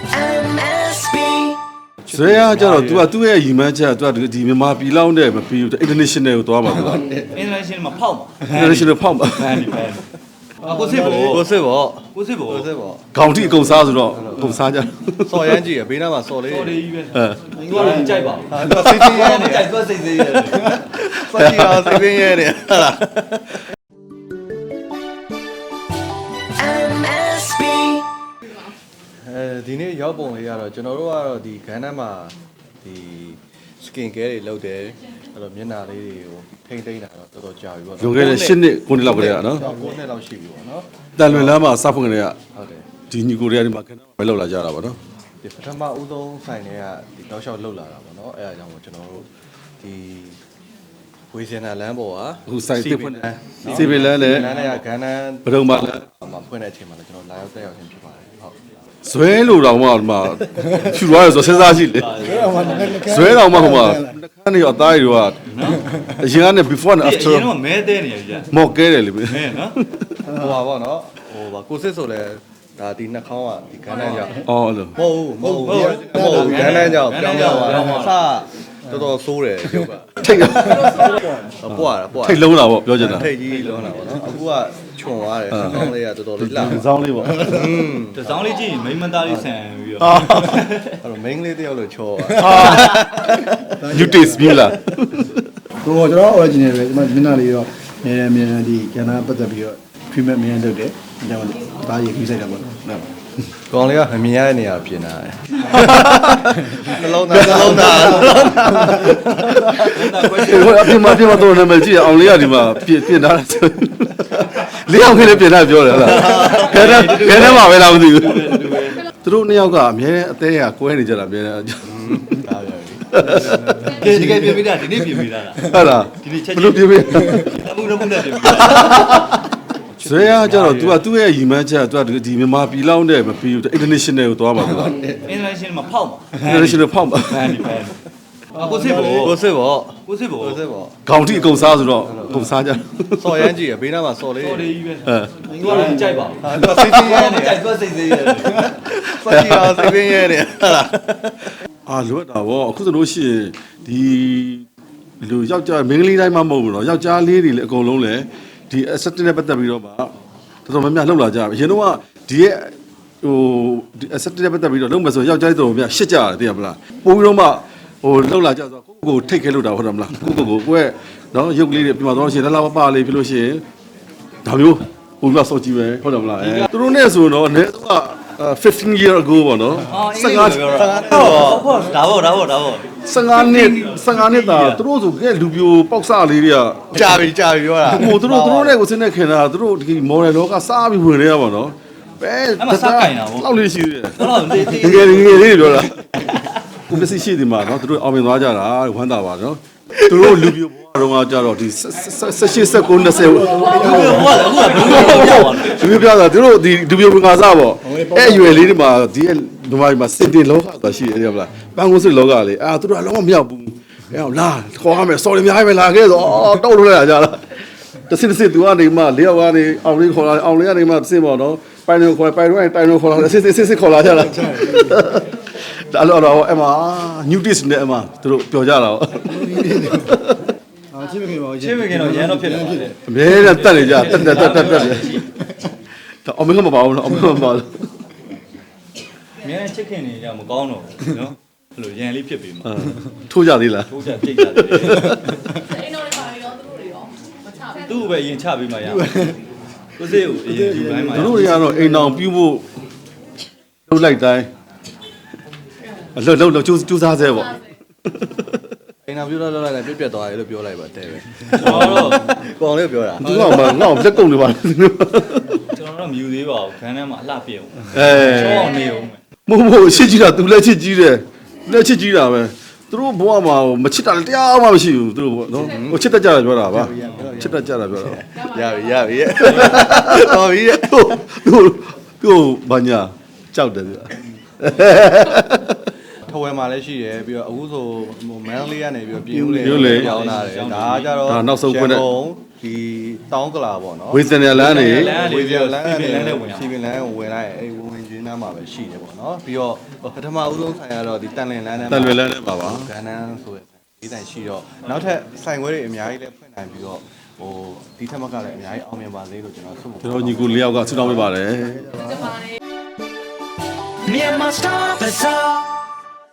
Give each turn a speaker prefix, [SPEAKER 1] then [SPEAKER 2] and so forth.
[SPEAKER 1] MSB
[SPEAKER 2] ဇွဲရကြတော့ तू ကသူ့ရဲ့ရီမန်းချက် तू ကဒီမြန်မာပြည်လောက်နဲ့မပြီးဘူး international ကိုသွားပါတော့
[SPEAKER 3] international မှာဖောက်မှာ
[SPEAKER 2] international ဖောက်ပါ
[SPEAKER 3] ဖန်ဒီဖန်ကိုစစ်ဘော
[SPEAKER 4] ကိုစစ်ဘော
[SPEAKER 3] ကိုစစ်ဘော
[SPEAKER 4] ကိုစစ်ဘော
[SPEAKER 2] ခေါင်းထိအကုန်စားဆိုတော့အကုန်စားကြ
[SPEAKER 4] စော်ရမ်းကြည့်ရဘေးနားမှာစော်လေး
[SPEAKER 3] တော်လေးကြီးပဲ
[SPEAKER 2] အဲ
[SPEAKER 3] သူကတော့ကြိုက်ပါ
[SPEAKER 4] ဟာသူစိတ်ဆင်းရဲနေ
[SPEAKER 3] ကြိုက်သွားစိတ်သေးရတယ်
[SPEAKER 4] စော်ကြည့်အောင်စိတ်ဆင်းရဲနေဟာလား
[SPEAKER 1] MSB
[SPEAKER 4] ဒီနေ့ရောက်ပုံလေးကတော့ကျွန်တော်တို့ကတော့ဒီခန်းထဲမှာဒီ skin care တွေလုပ်တယ်အဲ့တော့မျက်နှာလေးတွေကိုထိမ့်သိမ်းတာတော့တော်တော်ကြာပြီပေါ့
[SPEAKER 2] လွန်ခဲ့တဲ့8နှစ်9နှစ်လောက်ကလေးကနော်
[SPEAKER 4] 9နှစ်လောက်ရှိပြီပေါ့နော်
[SPEAKER 2] တန်လွင်လမ်းမှာစဖွင့်ကြတဲ့က
[SPEAKER 4] ဟုတ်တယ်
[SPEAKER 2] ဒီညီကိုတွေကဒီမှာခဏပဲလောက်လာကြတာပါနော်
[SPEAKER 4] ဒီပထမဦးဆုံးဆိုင်တွေကဒီတောက်လျှောက်လှုပ်လာတာပေါ့နော်အဲ့ဒါကြောင့်ကျွန်တော်တို့ဒီဝေစင်နာလမ်းပေါ်က
[SPEAKER 2] အခုဆိုင်တစ်ဖွင့်တယ်စီဗီလန်းနဲ့
[SPEAKER 4] လမ်းနဲ့ကဂန်းနန်း
[SPEAKER 2] ဘဒုံပါလမ်း
[SPEAKER 4] မှာဖွင့်တဲ့အချိန်မှာလည်းကျွန်တော်လာရောက်တက်ရောက်ခြင်းဖြစ်ပါတယ်ဟုတ်
[SPEAKER 2] ဇွဲလို့တော့မှဒီမှာဖြူသွားရဆိုစဉ်းစားကြည့်လေဇွဲတော့မှဟိုမှာနှခမ်းတွေအသားတွေကအရင်ကနေ before and
[SPEAKER 3] အ
[SPEAKER 2] after
[SPEAKER 3] ရင်တော့မဲတဲနေရကြီး
[SPEAKER 2] မော့ကဲတယ်လေ
[SPEAKER 3] မဲနော်
[SPEAKER 4] ဟိုပါပေါ့နော်ဟိုပါကိုစစ်ဆိုလဲဒါဒီနှာခေါင်းကဒီဂန်းနန်းကြောင့်
[SPEAKER 2] အော်အဲ့လို
[SPEAKER 4] မဟုတ်ဘူးဂန်းနန်းကြောင့်ပြောင်းပြောင်းသွားစတော်တော်ဆိုးတယ်ရုပ်က
[SPEAKER 2] ထိတ်
[SPEAKER 4] ပွားတာပွား
[SPEAKER 2] ထိတ်လုံးတာပေါ့ပြောချင်တာ
[SPEAKER 4] ထိတ်ကြီးလုံးတာပေါ့နော်အခုကခြုံသွားတယ်နှာခေါင်းလေးကတော်တော်လေးလှ
[SPEAKER 2] ဒီစောင်းလေးပေါ့
[SPEAKER 3] တစောင်းလေးကြည့်ရင်မိမသားလေးဆန်ပြီးတော့
[SPEAKER 4] အဲ့တော့ main လေးတယောက်လို့ချော
[SPEAKER 2] you taste ပြီလား
[SPEAKER 5] ဟိုကျွန်တော် original ပဲဒီမှာမျက်နှာလေးတော့အမြဲဒီကျန်တာပတ်သက်ပြီးတော့ treatment မြန်လုပ်တယ်ဒါကြောင့်ဒါရေးခီးဆိုင်တာပေါ့နော်
[SPEAKER 4] ကောင်လေးကမမြင်ရတဲ့နေရာပြင်လာတယ်နှလုံးသားနှလုံးသား
[SPEAKER 2] ဟိုအပြင်မှာတော့နာမည်ကြည့်အောင်လေးကဒီမှာပြင်ထားတာဆိုလေးအောင်ခင်းလေးပြင်ထားပြောတယ်ဟုတ်လားခဲထဲမှာပဲလားမသိဘူးသူတို့နှစ်ယောက်ကအမြဲအသေးကကွဲနေကြတာအမြဲ
[SPEAKER 4] ဒါပဲ
[SPEAKER 3] တကယ်ပြင်ပေးတာဒီနေ့ပြင်ပေးတာလား
[SPEAKER 2] ဟုတ်လား
[SPEAKER 3] ဒီနေ့ချက်
[SPEAKER 2] ဘယ်လိုပြင်ပေး
[SPEAKER 3] အမှုတော့မှုနဲ့ပြင်ပေးတာ
[SPEAKER 2] ဇွဲရကြတော့ तू ကသူ့ရဲ့ရီမန်းချက် तू ကဒီမြန်မာပြည်လောက်နဲ့မပြီးဘူး international ကိုသွားပါတော့
[SPEAKER 3] international မှာဖောက်မှာ
[SPEAKER 2] international ဖောက်ပါ
[SPEAKER 3] ဖန်ဒီဖန်ကိုစစ်ဘော
[SPEAKER 4] ကိုစစ်ဘော
[SPEAKER 3] ကိုစစ်ဘော
[SPEAKER 4] ကိုစစ်ဘော
[SPEAKER 2] ခေါင်းထိအကုန်စားဆိုတော့အကုန်စားကြ
[SPEAKER 4] စော်ရမ်းကြည့်ရဘေးနားမှာစော်လေး
[SPEAKER 3] တော်လေးကြီးပဲ
[SPEAKER 2] အဲ
[SPEAKER 3] သူကတော့ကြိုက်ပါ
[SPEAKER 4] ဟာသူစိတ်ဆင်းရဲနေ
[SPEAKER 3] ကြိုက်သွားစိတ်သေးရတယ်
[SPEAKER 4] စော်ကြည့်အောင်စိတ်ဆင်းရဲနေဟာလား
[SPEAKER 2] အာလွတ်တာဗောအခုဆိုလို့ရှိရင်ဒီလူယောက်ျားမင်းကလေးတိုင်းမှမဟုတ်ဘူးเนาะယောက်ျားလေးတွေလည်းအကုန်လုံးလည်းဒီ asset နဲ့ပတ်သက်ပြီးတော့မှတော်တော်များများလှုပ်လာကြပြီအရင်တော့ကဒီရဲ့ဟိုဒီ asset နဲ့ပတ်သက်ပြီးတော့လုံးမယ်ဆိုယောက်ျားလေးတော်တော်များရှစ်ကြရတယ်သိရမလားပို့ပြီးတော့မှဟိုလှုပ်လာကြဆိုကိုယ့်ကိုထိတ်ခဲလို့တာဟုတ်တယ်မလားကိုယ့်เนาะရုပ်ကလေးတွေပြန်มาတော့ရှင်လာပလေးဖြစ်လို့ရှိရင်ဒါမျိုးပို့ပြီးတော့စောကြည့်ပဲဟုတ်တယ်မလားသူတို့နဲ့ဆိုတော့အနည်းဆုံးက15 year ago ပေါ့နော်
[SPEAKER 3] 15ပြောတာဟုတ်ဒါပေါ့
[SPEAKER 2] 15နှစ်သားသူတို့ဆိုကဲလူပြိုပေါက်စလေးတွေက
[SPEAKER 4] ကြာပြီပြောတာ
[SPEAKER 2] ဟိုသူတို့နဲ့ကိုစနေခင်တာသူတို့ဒီ model လောကစားပြီးဝင်နေရပါတော့ပဲလောက်လေးရှိသေးတယ်
[SPEAKER 3] တော့တေးတေး
[SPEAKER 2] ငယ်လေးပြောတာကိုမစီရှိဒီမှာနော်သူတို့အောင်မြင်သွားကြတာဝမ်းသာပါနော်သူတို့လူပြိုဘဝတော့ကြတော့ဒီ18 19 20
[SPEAKER 3] ဟုတ်ကဲ့ဟုတ်ကဲ့
[SPEAKER 2] လူပြတာသူတို့ဒီလူပြိုဝင်ကားစားပေါ့အဲ့အရွယ်လေးတွေမှာဒီဒီမှာစင်တင်လောကဆိုတာရှိတယ်ဟုတ်လားပန်းကုန်းစစ်လောကလေးအာသူတို့ကလုံးဝမရောက်ဘူးအဲ့တော့လာခေါ်ရမယ် sorry အများကြီးပဲလာခဲ့ဆိုတောက်လို့လိုက်ကြလားတစစ်သူကနေမှ၄ယောက်ကနေအောင်လေးခေါ်လာအောင်လေးကနေမှစင်ပေါ့နော်ပိုင်တော့ခေါ်ပိုင်တော့တိုင်တော့ခေါ်လာစစ်ခေါ်လာကြလားဒါတော့အမ new dish နဲ့အမသူတို့ပြောကြတာပေါ့
[SPEAKER 5] အာချင်းမခင်ပါဘူး
[SPEAKER 3] ချင်းမခင်တော့ရန်တော့ဖြစ်တယ်
[SPEAKER 2] အမြဲတမ်းတက်နေကြတက်တယ်ဒါအမေကမပါဘူးနော်အမေကမပါဘူး
[SPEAKER 3] အများချစ်ခင်နေကြမကောင်းတော့ဘူးနော်အဲ့လိုရန်လေးဖြစ်ပြီမှာ
[SPEAKER 2] ထိုးကြသေးလား
[SPEAKER 3] ထိုးကြပြိတ်ကြတယ်
[SPEAKER 6] အဲ့တော့ပါရောသူတို့တွေရောမချဘူး
[SPEAKER 3] သူ့ပဲရင်ချပေးမှရကိုစစ်ကိုအရင်ဒီပိုင်းမှာ
[SPEAKER 2] သူတို့တွေကတော့အိမ်အောင်ပြုဖို့လှုပ်လိုက်တိုင်းလှုပ်ကြိုးစားစေပေါ့
[SPEAKER 4] အိမ်နာပြောလိုက်လိုက်ပြက်သွားတယ်လို့ပြောလိုက်ပါတဲ့ပဲ
[SPEAKER 3] ကျွန်တော်တော့
[SPEAKER 4] ကောင်လေးပြောတာ
[SPEAKER 2] သူကမှငေါ့လက်ကုံနေပါ
[SPEAKER 3] ကျွန်တော်တော့မယူသေးပါဘူးခန်းထဲမှာအလှပြည့်အောင်
[SPEAKER 2] အဲ
[SPEAKER 3] ချောအောင်နေအောင်
[SPEAKER 2] မို့ရှစ်ကြီးတာသူလက်ချစ်ကြီးတယ်လက်ချစ်ကြီးတာပဲသူတို့ဘဝမှာမချစ်တာတရားမှမရှိဘူးသူတို့နော်ဟိုချစ်တတ်ကြတာပြောတာပါချစ်တတ်ကြတာပြောတာ
[SPEAKER 4] ရပြီတော်ပြီ
[SPEAKER 2] သူဘာညာကြောက်တယ်သူ
[SPEAKER 4] ထဝယ်မှာလည်းရှိတယ်ပြီးတော့အခုဆိုဟိုမန်လေးကနေပြီးတော့ပြင်ဦးလေပြောင်းလာတယ်ဒါကကြတော့ဒီတောင်းကလာပေါ့နော်
[SPEAKER 2] ဝေစင်ရလန်းနေ
[SPEAKER 4] ဝေးပြန်လမ်း
[SPEAKER 3] စီပင်လန်းနဲ့ဝင်
[SPEAKER 4] စီပင်လန်းကိုဝင်လိုက်အဲ့ဝင်ရင်းနှမ်းမှာပဲရှိတယ်ပေါ့နော်ပြီးတော့ပထမဦးဆုံးဆိုင်ကတော့ဒီတန်လင်လန်းနဲ့
[SPEAKER 2] တန်လွယ်လန်းနေပါပါ
[SPEAKER 4] ကန်းနန်းဆိုတဲ့ဒီဆိုင်ရှိတော့နောက်ထပ်ဆိုင်ခွဲတွေအများကြီးလည်းဖွင့်နိုင်ပြီးတော့ဟိုဒီထက်မကလည်းအများကြီးအောင်မြင်ပါစေလို့ကျွန်တော်ဆုမ
[SPEAKER 2] ကျွန်တော်ညီကို၄ယောက်ကဆုတောင်းပေးပါတယ်
[SPEAKER 6] ဒီမှာနေ
[SPEAKER 1] Myanmar Star Bazaar